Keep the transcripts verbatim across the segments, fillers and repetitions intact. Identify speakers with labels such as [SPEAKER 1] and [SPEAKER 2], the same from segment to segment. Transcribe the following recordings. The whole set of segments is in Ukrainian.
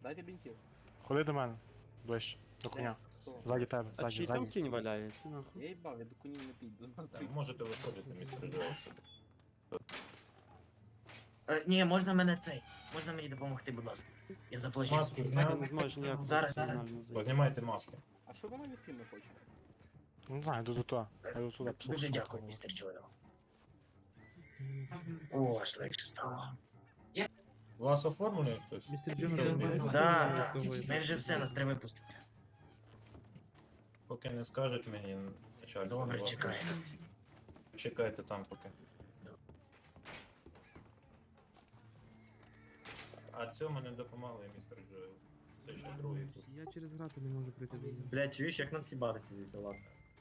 [SPEAKER 1] Дайте бінтів.
[SPEAKER 2] Ходи до мене. Ближче. До коня.
[SPEAKER 1] Хто?
[SPEAKER 2] Ззаді тебе,
[SPEAKER 3] А
[SPEAKER 2] ззаді,
[SPEAKER 3] чий там
[SPEAKER 2] ззаді.
[SPEAKER 3] кінь валяється, нахуй?
[SPEAKER 1] Я їбав, я до конів не піду.
[SPEAKER 4] Так, можете виходити, містер Джойс.
[SPEAKER 5] Е, ні, можна мене цей. Можна мені допомогти, будь ласка. Я заплачу.
[SPEAKER 4] Маску
[SPEAKER 3] Я
[SPEAKER 4] зняв.
[SPEAKER 3] не зможу ніяк
[SPEAKER 5] Зараз, зараз.
[SPEAKER 3] нормально зайти.
[SPEAKER 4] Познімайте маски.
[SPEAKER 1] А що вона від фільму хоче?
[SPEAKER 2] Не знаю, йду до туди. Я йду туди, послухаю.
[SPEAKER 5] Дуже дякую, містер Джоел. О, аж легше стало.
[SPEAKER 4] Вас оформлений хтось?
[SPEAKER 6] Містер
[SPEAKER 4] Що
[SPEAKER 6] Джон,
[SPEAKER 4] ви
[SPEAKER 6] я
[SPEAKER 4] робите?
[SPEAKER 6] знаю.
[SPEAKER 5] Да,
[SPEAKER 6] Ну,
[SPEAKER 5] так.
[SPEAKER 6] того я
[SPEAKER 5] Ми вже все, нас треба випустити.
[SPEAKER 4] Поки не скажете мені начальство.
[SPEAKER 5] Добре,
[SPEAKER 4] вас-
[SPEAKER 5] чекаю.
[SPEAKER 4] Чекайте там поки. А цьому не допомагає містер Джоел. Це ще другий тут.
[SPEAKER 6] Я через грати не можу прийти до нього.
[SPEAKER 7] Блядь, чуєш, як нам сібатися звідси, ладно.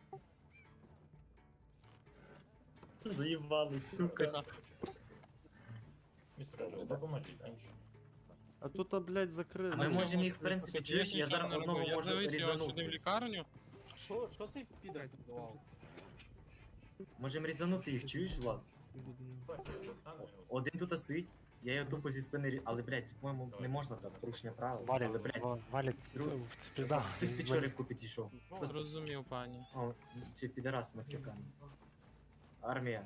[SPEAKER 7] Заїбали, сука.
[SPEAKER 4] Містер Джоел, допоможіть іншим.
[SPEAKER 3] А тут, а, блядь,
[SPEAKER 5] А
[SPEAKER 3] закрили.
[SPEAKER 5] ми можемо їх, в принципі, чуєш, я зараз одного
[SPEAKER 8] Я
[SPEAKER 5] можу
[SPEAKER 8] зависів сюди в
[SPEAKER 5] різанути.
[SPEAKER 8] лікарню.
[SPEAKER 1] Що, що цей підер піддавав?
[SPEAKER 7] Можемо різанути їх, чуєш, Влад?
[SPEAKER 6] Піду до нього.
[SPEAKER 4] Бачите, я достану його.
[SPEAKER 7] Один тут стоїть, я його тупо зі спини рі... Але, блядь, це, по-моєму, не можна так, порушення правил.
[SPEAKER 2] Валік,
[SPEAKER 7] Але, блядь,
[SPEAKER 2] ва- Валік,
[SPEAKER 7] друг-
[SPEAKER 2] це пізда.
[SPEAKER 7] хтось під чорівку підійшов. Хто це?
[SPEAKER 8] Зрозумів, пані.
[SPEAKER 7] О, це підарас мексикан. Армія.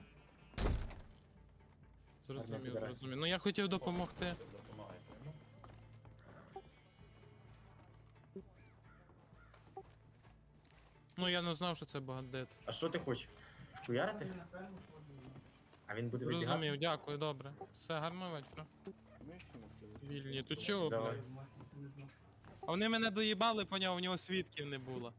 [SPEAKER 8] Зрозумів,
[SPEAKER 7] підарасів.
[SPEAKER 8] зрозумів. Ну я хотів допомогти.
[SPEAKER 4] Все, допомагайте йому.
[SPEAKER 8] Ну я не знав, що це бандит.
[SPEAKER 7] А що ти хочеш? Хуярити? А він буде вибігати?
[SPEAKER 8] Зрозумів, дякую, добре. Все, гарного вечора.
[SPEAKER 1] Ми всі хотіли.
[SPEAKER 8] Вільні. Тут чого,
[SPEAKER 7] Давай.
[SPEAKER 8] блядь? А вони мене доїбали, поняв, у нього свідків не було.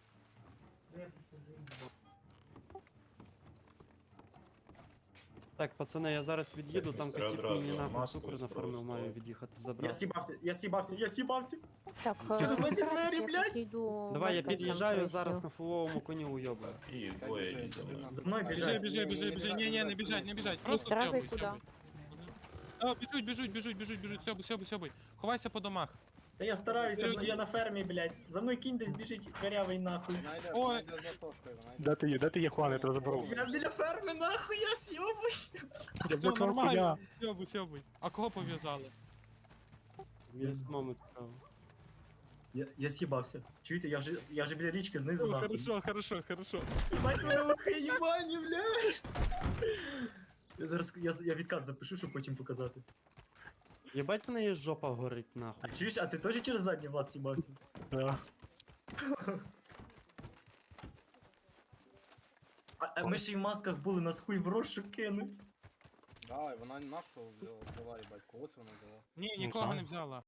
[SPEAKER 3] Так, пацани, я зараз від'їду, там
[SPEAKER 4] містер,
[SPEAKER 3] катіп
[SPEAKER 4] одразу
[SPEAKER 3] мені нахуй
[SPEAKER 4] маску
[SPEAKER 3] цукру на
[SPEAKER 4] зброю
[SPEAKER 3] форму маю
[SPEAKER 4] ставити.
[SPEAKER 3] від'їхати
[SPEAKER 7] Я
[SPEAKER 3] забрати.
[SPEAKER 7] сібався, я сібався, я сібався!
[SPEAKER 9] Так,
[SPEAKER 7] Через
[SPEAKER 9] е,
[SPEAKER 7] задні двері, блядь!
[SPEAKER 9] йду
[SPEAKER 3] Давай, я
[SPEAKER 9] в Бедлем,
[SPEAKER 3] під'їжджаю
[SPEAKER 9] поясню.
[SPEAKER 3] зараз на фуловому коні уйобаю.
[SPEAKER 4] І
[SPEAKER 1] Так,
[SPEAKER 4] двоє
[SPEAKER 1] біжи,
[SPEAKER 4] їздили.
[SPEAKER 1] біжи,
[SPEAKER 7] За мною
[SPEAKER 8] Біжи,
[SPEAKER 7] біжать.
[SPEAKER 8] біжи, біжи, біжи. Ні, ні, не біжать, не біжать. Просто
[SPEAKER 9] Містер, а ви
[SPEAKER 8] сьобуй,
[SPEAKER 9] куди?
[SPEAKER 8] сьобуй. А, біжуть, біжуть, біжуть, біжуть, біжуть, сьобуй, сьобуй, сьобуй. Ховайся по домах.
[SPEAKER 7] Та я стараюся,
[SPEAKER 8] Люди.
[SPEAKER 7] я на фермі, блядь. За мною кінь десь біжить корявий нахуй.
[SPEAKER 1] Вона йде,
[SPEAKER 8] Ой.
[SPEAKER 1] вона йде за тошкою, вона йде.
[SPEAKER 2] Де ти є? Де ти є, Хуан? Я тебе заберу.
[SPEAKER 7] Я біля ферми, нахуй, я сьобую.
[SPEAKER 2] Я
[SPEAKER 8] Все
[SPEAKER 2] блокував
[SPEAKER 8] нормально.
[SPEAKER 2] коня.
[SPEAKER 8] Сьобуй, сьобуй. А кого пов'язали?
[SPEAKER 3] Мені самому цікаво.
[SPEAKER 7] Я, я сібався. Чуєте, я вже, я вже біля річки знизу,
[SPEAKER 8] О,
[SPEAKER 7] нахуй.
[SPEAKER 8] хорошо, хорошо, хорошо.
[SPEAKER 7] Бать мене лохи їбані, блядь. Я зараз, я, я відкат запишу, щоб потім показати.
[SPEAKER 3] Єбать в неї жопа горить, нахуй.
[SPEAKER 7] А чуєш, а ти теж через задній, Влад, сібався?
[SPEAKER 2] Да.
[SPEAKER 7] А, а ми ще й в масках були, нас хуй в розшук кинуть.
[SPEAKER 1] Давай, вона нашу взяла, взяла, їбать, кого це вона взяла?
[SPEAKER 8] Ні,
[SPEAKER 2] Не
[SPEAKER 8] нікого
[SPEAKER 2] знаю.
[SPEAKER 8] не взяла.